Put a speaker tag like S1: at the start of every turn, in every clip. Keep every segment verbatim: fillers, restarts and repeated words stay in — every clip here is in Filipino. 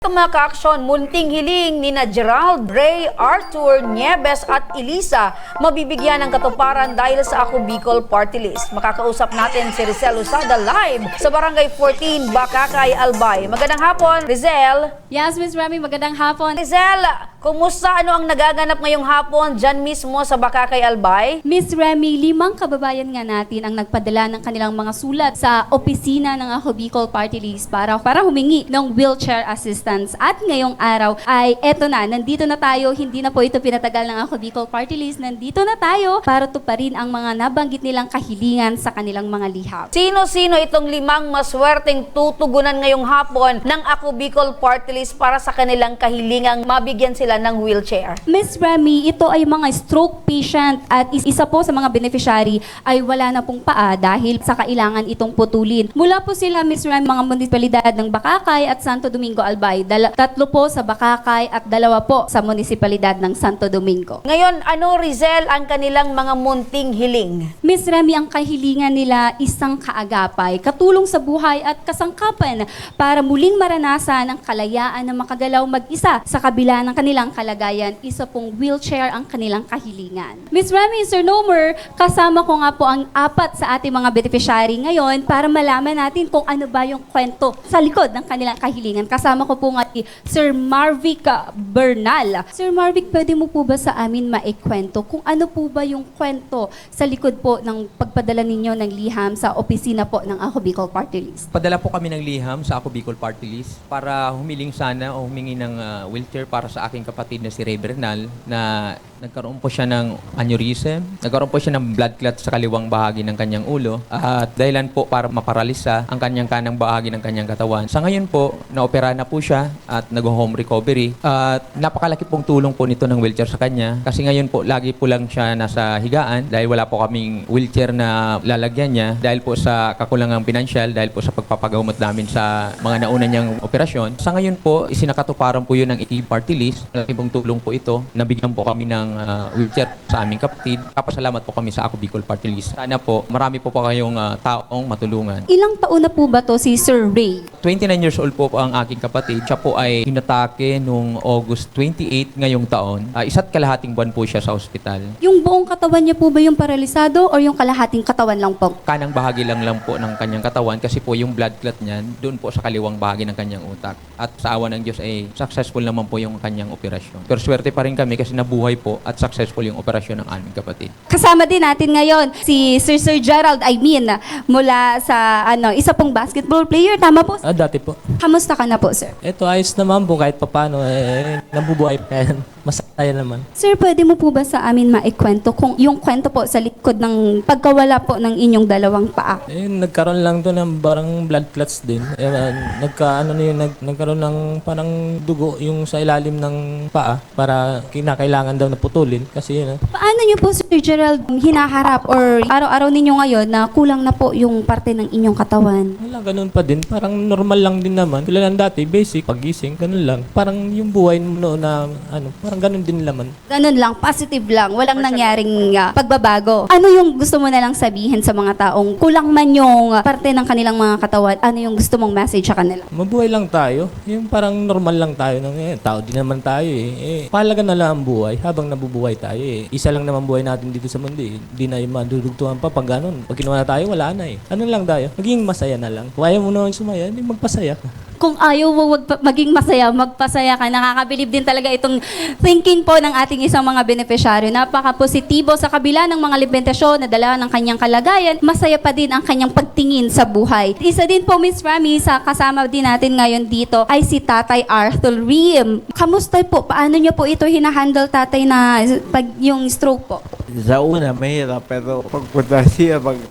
S1: Mga ka-aksyon, munting hiling ni na Gerald, Ray, Arthur, Nieves at Elisa mabibigyan ng katuparan dahil sa Ako Bicol Party List. Makakausap natin si Rizel Usada live sa Barangay fourteen, Bakakay, Albay. Magandang hapon, Rizel.
S2: Yes, Miz Remy, magandang hapon.
S1: Rizel, kumusta, ano ang nagaganap ngayong hapon dyan mismo sa Bakakay, Albay?
S2: Miz Remy, limang kababayan nga natin ang nagpadala ng kanilang mga sulat sa opisina ng Ako Bicol Party List para, para humingi ng wheelchair assistance. At ngayong araw ay eto na, nandito na tayo, hindi na po ito pinatagal ng Ako Bicol Party List, nandito na tayo para tuparin ang mga nabanggit nilang kahilingan sa kanilang mga liham.
S1: Sino-sino itong limang maswerteng tutugunan ngayong hapon ng Ako Bicol Party List para sa kanilang kahilingang mabigyan sila ng wheelchair?
S2: Miz Remy, ito ay mga stroke patient at is- isa po sa mga beneficiary ay wala na pong paa dahil sa kailangan itong putulin. Mula po sila, Miz Remy, mga munisipalidad ng Bakakay at Santo Domingo, Albay. Dala- tatlo po sa Bakakay at dalawa po sa munisipalidad ng Santo Domingo.
S1: Ngayon, ano, Rizel, ang kanilang mga munting hiling?
S2: Miz Remy, ang kahilingan nila isang kaagapay, katulong sa buhay at kasangkapan para muling maranasan ang kalayaan na makagalaw mag-isa sa kabila ng kanilang kalagayan. Isa pong wheelchair ang kanilang kahilingan. Miz Remy, Sir Nomer, kasama ko nga po ang apat sa ating mga beneficiary ngayon para malaman natin kung ano ba yung kwento sa likod ng kanilang kahilingan. Kasama ko po nga si Sir Marvic Bernal. Sir Marvic, pwede mo po ba sa amin maikwento kung ano po ba yung kwento sa likod po ng pagpadala ninyo ng liham sa opisina po ng Ako Bicol Party List?
S3: Padala po kami ng liham sa Ako Bicol Party List para humiling sana o humingi ng uh, wheelchair para sa aking kapatid na si Ray Bernal na nagkaroon po siya ng aneurysm, nagkaroon po siya ng blood clot sa kaliwang bahagi ng kanyang ulo at dahilan po para maparalisa ang kanyang kanang bahagi ng kanyang katawan. Sa ngayon po, naopera na po siya at nag-home recovery at napakalaki pong tulong po nito ng wheelchair sa kanya kasi ngayon po lagi po lang siya nasa higaan dahil wala po kaming wheelchair na lalagyan niya dahil po sa kakulangang pinansyal, dahil po sa pagpapagamot namin sa mga nauna niyang operasyon. Sa ngayon po, isinakatuparan po yun ng I T Party List. Malaki pong tulong po ito. Nabigyan po kami ng uh, wheelchair sa aming kapatid. Kapasalamat po kami sa Ako Bicol Party List. Sana po, marami po po kayong uh, taong matulungan.
S2: Ilang taon na po ba to si Sir Ray?
S3: twenty-nine years old po ang aking kapatid. Siya po ay hinatake noong August twenty-eight ngayong taon. Uh, isa't kalahating buwan po siya sa ospital.
S2: Yung buong katawan niya po ba yung paralisado o yung kalahating katawan lang po?
S3: Kanang bahagi lang lang po ng kanyang katawan kasi po yung blood clot niyan doon po sa kaliwang bahagi ng kanyang utak. At sa awa ng Diyos ay successful naman po yung kanyang operasyon. Pero swerte pa rin kami kasi nabuhay po at successful yung operasyon ng aming kapatid.
S2: Kasama din natin ngayon si Sir Sir Gerald, I mean, mula sa ano, isa pong basketball player. Tama po?
S4: Ah, dati po.
S2: Kamusta ka na po, sir?
S4: Ito, ayos naman po kahit papano. Eh, nabubuhay pa yan. Masaya naman.
S2: Sir, pwede mo po ba sa amin maikwento kung yung kwento po sa likod ng pagkawala po ng inyong dalawang paa?
S4: Eh, nagkaroon lang to ng parang blood clots din. Eh, ah, nagka, ano na yun, nag, nagkaroon ng parang dugo yung sa ilalim ng paa para kinakailangan daw na putulin. Kasi yun, ah.
S2: Paano niyo po, Sir Gerald, hinaharap or araw-araw ninyo ngayon na kulang na po yung parte ng inyong katawan?
S4: Wala, ganun pa din. Parang normal lang din naman. Tulad ng dati, basic, pagising, ganun lang. Parang yung buhay mo noon na, ano, parang ganun din naman.
S2: Ganun lang, positive lang, walang nangyaring uh, pagbabago. Ano yung gusto mo na lang sabihin sa mga taong kulang man yung uh, parte ng kanilang mga katawan? Ano yung gusto mong message sa kanila?
S4: Mabuhay lang tayo. Yung parang normal lang tayo. Ng, eh, tao din naman tayo eh. eh. Pahalaga na lang ang buhay habang nabubuhay tayo eh. Isa lang naman buhay natin dito sa mundo eh. Hindi na yung madudugtuhan pa pag ganun. Pag kinuha na tayo, wala na eh. Ano lang tayo? Maging masaya na lang. Kung ayaw mo naman sumaya, hindi magpasaya ka.
S2: Kung ayaw mo wag pa- maging masaya, magpasaya ka. Nakakabilib din talaga itong thinking po ng ating isang mga beneficiaryo. Napaka-positibo sa kabila ng mga limitasyon na dala ng kanyang kalagayan, masaya pa din ang kanyang pagtingin sa buhay. Isa din po, Miss Rami, sa kasama din natin ngayon dito ay si Tatay Arthur Riem. Kamusta po? Paano niyo po ito hinahandle, Tatay, na pag yung stroke po?
S5: Sa una, mahirap, pero pagpunta siya, pag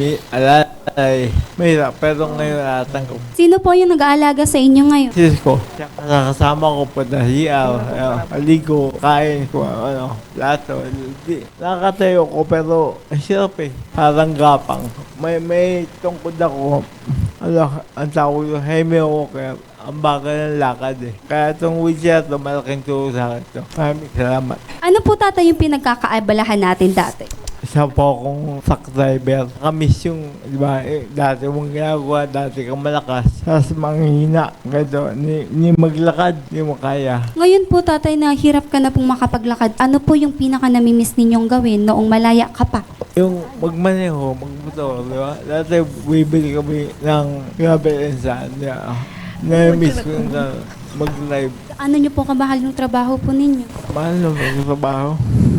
S5: umialay, mahirap, pero ngayon atang ko.
S2: Sino po yung nag-aalaga sa inyo ngayon?
S5: Sis ko, nakakasama ko punta siya, aligo, kain ko, ano, lato. Di, nakakatayo ko, pero ang hirap eh, parang gapang. May, may tungkod ako, ano, ang tawag yung Jaime Walker. Ang bagal ng lakad eh. Kaya itong wheelchair ito, malaking tulong sa akin ito. Maraming salamat.
S2: Ano po, Tatay, yung pinagkakaabalahan natin dati?
S5: isa po akong truck driver. Kamis yung, di ba, eh, dati mong ginagawa, dati kang malakas. Tapos manghina, gado, ni, ni maglakad, di mo kaya.
S2: Ngayon po, tatay, na hirap ka na pong makapaglakad. Ano po yung pinaka namimiss ninyong gawin noong malaya ka pa?
S5: Yung magmaneho, magmotor, di ba? Dati bibili kami ng gravel and sand, di ba? Na-miss ko na mag-live.
S2: Ano nyo po kamahal yung trabaho po ninyo?
S5: Mahal naman yung trabaho.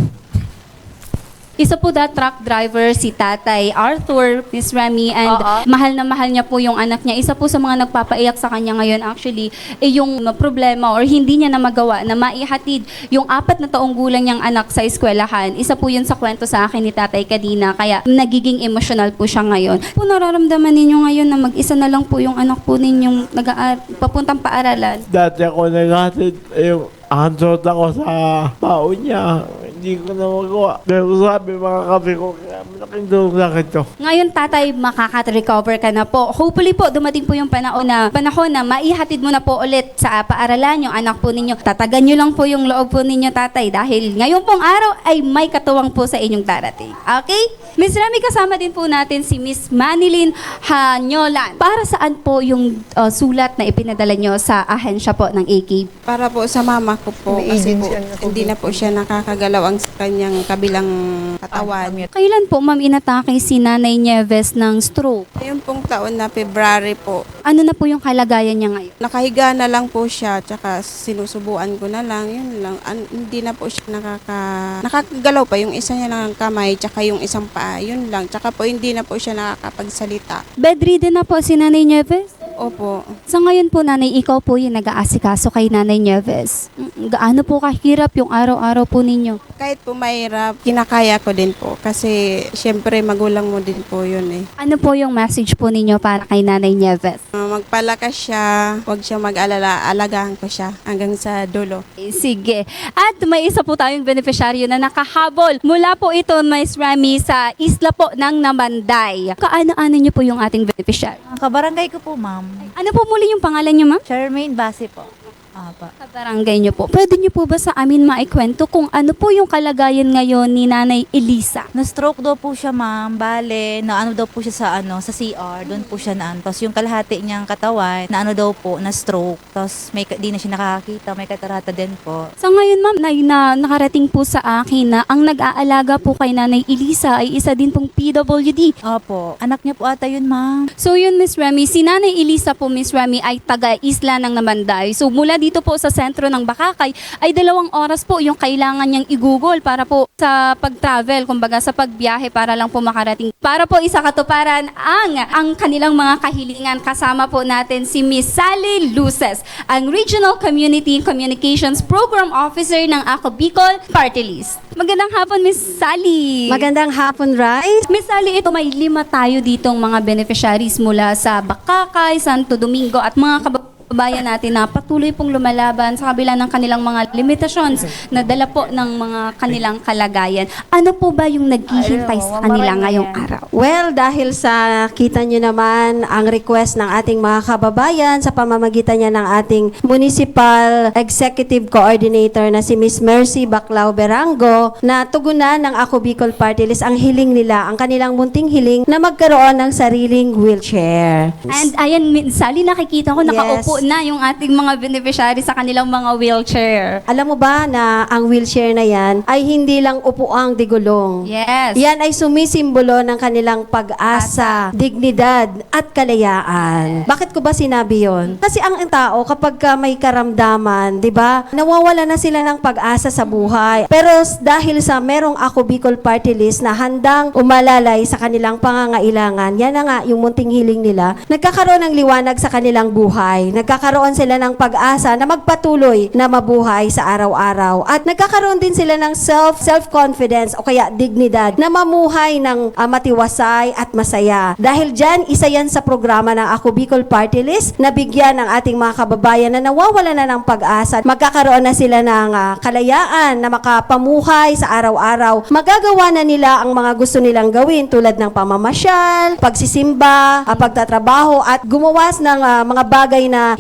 S2: Isa po da truck driver si Tatay Arthur, Miss Remy, and
S1: Oo.
S2: mahal na mahal niya po yung anak niya. Isa po sa mga nagpapaiyak sa kanya ngayon actually, eh, yung problema or hindi niya na magawa na maihatid yung apat na taong gulang niyang anak sa eskwelahan. Isa po yun sa kwento sa akin ni Tatay kanina, kaya nagiging emotional po siya ngayon. Po nararamdaman ninyo ngayon na mag-isa na lang po yung anak po ninyong nag-aar- papuntang paaralan.
S5: Dati ako naghatid, yung handshot ako sa tao niya. Hindi ko na magawa. Pero sabi mga kape ko, kaya malaking tulong sa akin to.
S2: Ngayon, tatay, makaka-recover ka na po. Hopefully po, dumating po yung panahon na, panahon na maihatid mo na po ulit sa paaralan yung anak po ninyo. Tatagan nyo lang po yung loob po ninyo, tatay, dahil ngayon pong araw ay may katuwang po sa inyong darating. Okay? Miss Remy, kasama din po natin si Miss Manilyn Hanyolan. Para saan po yung uh, sulat na ipinadala nyo sa ahensya po ng A K?
S6: Para po sa mama ko po, kasi po, hindi na po siya nakakagalaw ang kanyang kabilang katawan.
S2: Kailan po, ma'am, inatake si Nanay Nieves ng stroke?
S6: Yung pong taon na February po,
S2: Ano na po yung kalagayan niya ngayon?
S6: nakahiga na lang po siya, tsaka sinusubuan ko na lang, yun lang. An- hindi na po siya nakaka... Nakakagalaw pa, yung isa niya lang kamay, tsaka yung isang paa, yun lang. Tsaka po hindi na po siya nakakapagsalita.
S2: Bedridden na po si Nanay Nieves?
S6: Opo.
S2: Sa ngayon po, Nanay, ikaw po yung nag-aasikaso kay Nanay Nieves. Mm, Gaano po kahirap yung araw-araw po ninyo?
S6: Kahit po mahirap, kinakaya ko din po. Kasi syempre magulang mo din po yun eh.
S2: Ano po yung message po ninyo para kay Nanay Nieves?
S6: Uh, magpalakas siya, huwag siya mag-alala, alagahan ko siya hanggang sa dulo.
S2: Eh, Sige. At may isa po tayong beneficiaryo na nakahabol. Mula po ito, Miss Remy, sa isla po ng Namanday. Kaano-ano niyo po yung ating beneficiary?
S7: Ang kabarangay ko po, ma'am.
S2: Ano po muli yung pangalan niyo, ma'am?
S7: Charmaine Base po. Apa.
S2: Sa barangay niyo po. Pwede niyo po ba sa amin maikwento kung ano po yung kalagayan ngayon ni Nanay Elisa?
S7: Na-stroke daw po siya, ma'am. Bale, na ano daw po siya sa ano sa C R. Doon po siya na ano. Tapos yung kalahati niyang katawan, na ano daw po, na-stroke. Tapos may, ka- di na siya nakakita, may katarata din po.
S2: Sa ngayon, ma'am, na, na nakarating po sa akin na ang nag-aalaga po kay Nanay Elisa ay isa din pong P W D.
S7: Opo. Anak niya po ata yun, ma'am.
S2: So yun, Miss Remy, si Nanay Elisa po, Miss Remy, ay taga-isla ng Namanday. So mula dito po sa sentro ng Bakakay, ay dalawang oras po yung kailangan niyang igugol para po sa pag-travel, kumbaga sa pagbiyahe para lang po makarating. Para po isa katuparan ang, ang kanilang mga kahilingan. Kasama po natin si Miss Sally Luces, ang Regional Community Communications Program Officer ng Ako Bicol Party List. Magandang hapon, Miss Sally.
S8: Magandang hapon, Rai.
S2: Miss Sally, ito may lima tayo ditong mga beneficiaries mula sa Bakakay, Santo Domingo at mga kababayan natin na patuloy pong lumalaban sa kabila ng kanilang mga limitations na dala po ng mga kanilang kalagayan. Ano po ba yung naghihintay sa kanila ngayong araw?
S8: Well, dahil sa kita nyo naman ang request ng ating mga kababayan sa pamamagitan niya ng ating Municipal Executive Coordinator na si Miss Mercy Baclao Berango na tugunan ng Ako Bicol Party List ang hiling nila, ang kanilang munting hiling na magkaroon ng sariling wheelchair.
S2: And ayan, Miss Sally, nakikita ko nakaupo na yung ating mga beneficiaries sa kanilang mga wheelchair.
S8: Alam mo ba na ang wheelchair na yan ay hindi lang upuang digulong?
S2: Yes.
S8: Yan ay sumisimbolo ng kanilang pag-asa, dignidad, at kalayaan. Bakit ko ba sinabi yon? Kasi ang tao, kapag ka may karamdaman, di ba, nawawala na sila ng pag-asa sa buhay. Pero s- dahil sa merong Ako Bicol Party List na handang umalalay sa kanilang pangangailangan, yan na nga yung munting hiling nila, nagkakaroon ng liwanag sa kanilang buhay. Nagkakaroon sila ng pag-asa na magpatuloy na mabuhay sa araw-araw. At nagkakaroon din sila ng self, self-confidence o kaya dignidad na mamuhay ng ah, matiwasay at masaya. Dahil dyan, isa yan sa programa ng Ako Bicol Party List na bigyan ng ating mga kababayan na nawawala na ng pag-asa. Magkakaroon na sila ng ah, kalayaan na makapamuhay sa araw-araw. Magagawa na nila ang mga gusto nilang gawin tulad ng pamamasyal, pagsisimba, ah, pagtatrabaho at gumawas ng ah, mga bagay na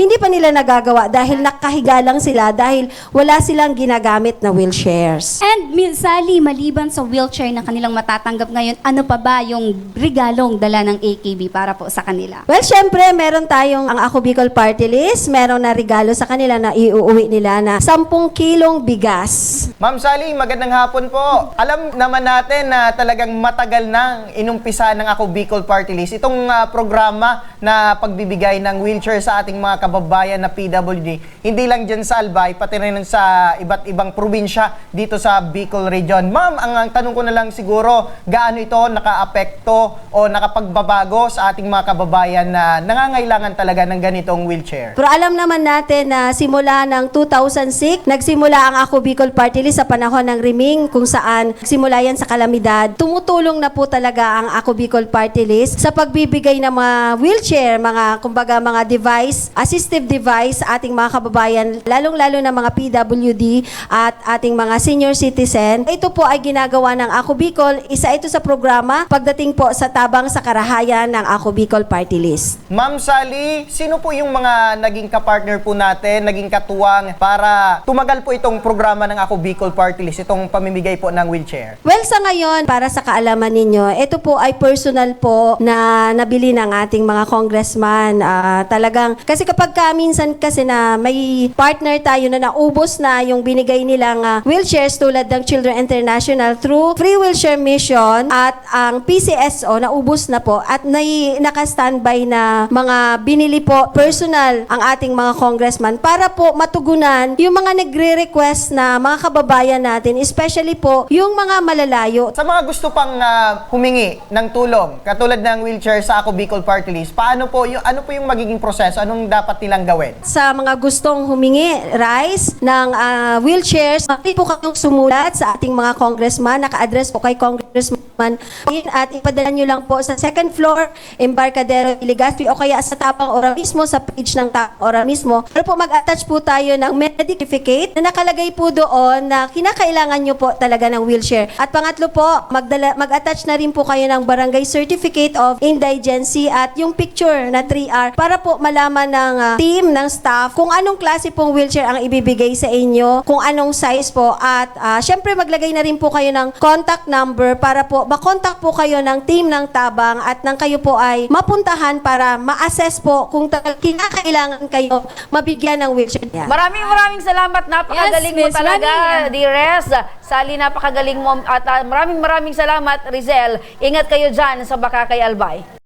S8: hindi pa nila nagagawa dahil nakahiga lang sila dahil wala silang ginagamit na wheelchairs.
S2: And Miz Sally, maliban sa wheelchair na kanilang matatanggap ngayon, ano pa ba yung regalong dala ng A K B para po sa kanila?
S8: Well, syempre, meron tayong ang Ako Bicol Party List. Meron na regalo sa kanila na iuuwi nila na sampung kilong bigas.
S9: Ma'am Sally, magandang hapon po. Alam naman natin na talagang matagal nang inumpisa ng Ako Bicol Party List itong ah, programa na pagbibigay ng wheelchair sa ating mga kababayan na P W D. Hindi lang dyan sa Albay, pati rin sa iba't ibang probinsya dito sa Bicol Region. Ma'am, ang, ang tanong ko na lang siguro, gaano ito nakaapekto o nakapagbabago sa ating mga kababayan na nangangailangan talaga ng ganitong wheelchair?
S8: Pero alam naman natin na simula ng two thousand six, nagsimula ang Ako Bicol Party List sa panahon ng Riming kung saan simula yan sa kalamidad. Tumutulong na po talaga ang Ako Bicol Party List sa pagbibigay ng mga wheelchair, mga kumbaga mga device, assistive device sa ating mga kababayan, lalong-lalo na mga P W D at ating mga senior citizen. Ito po ay ginagawa ng Ako Bicol. Isa ito sa programa pagdating po sa tabang sa karahayan ng Ako Bicol Party List.
S9: Ma'am Sally, sino po yung mga naging kapartner po natin, naging katuwang para tumagal po itong programa ng Ako Bicol Party List, itong pamimigay po ng wheelchair?
S8: Well, sa ngayon, para sa kaalaman ninyo, ito po ay personal po na nabili ng ating mga congressman. Ah, talagang, kasi kapag ka, minsan kasi na may partner tayo na naubos na yung binigay nilang ah, wheelchairs tulad ng Children International through Free Wheelchair Mission at ang P C S O naubos na po at nai, naka-standby na mga binili po personal ang ating mga congressman para po matugunan yung mga nagre-request na mga kababayan natin, especially po yung mga malalayo.
S9: Sa mga gusto pang ah, humingi ng tulong, katulad ng wheelchair sa Ako Bicol Party List, paano po, yung, ano po yung magiging proseso? Anong dapat nilang gawin?
S8: Sa mga gustong humingi, Rice, ng ah, wheelchairs, pwede po kayong sumulat sa ating mga congressman. Naka-address po kay Congressman at ipadala nyo lang po sa second floor, Embarcadero, Legazpi o kaya sa Tapang Ora mismo, sa page ng Tapang Ora mismo. Pero po mag-attach po tayo ng medical certificate na nakalagay po doon na kinakailangan nyo po talaga ng wheelchair. At pangatlo po, magdala, mag-attach na rin po kayo ng Barangay Certificate of Indigency at yung picture na three R para po malaman ng ah, team, ng staff kung anong klase pong wheelchair ang ibibigay sa inyo, kung anong size po at ah, syempre maglagay na rin po kayo ng contact number para po makontak po kayo ng team ng Tabang at nang kayo po ay mapuntahan para ma-assess po kung talagang kinakailangan kayo mabigyan ng wheelchair. Yeah.
S1: Maraming maraming salamat. Napakagaling
S2: Yes,
S1: mo
S2: Miss
S1: talaga,
S2: Rani.
S1: Dires. Sally, napakagaling mo. At ah, maraming maraming salamat, Rizel. Ingat kayo dyan sa Bakakay Albay.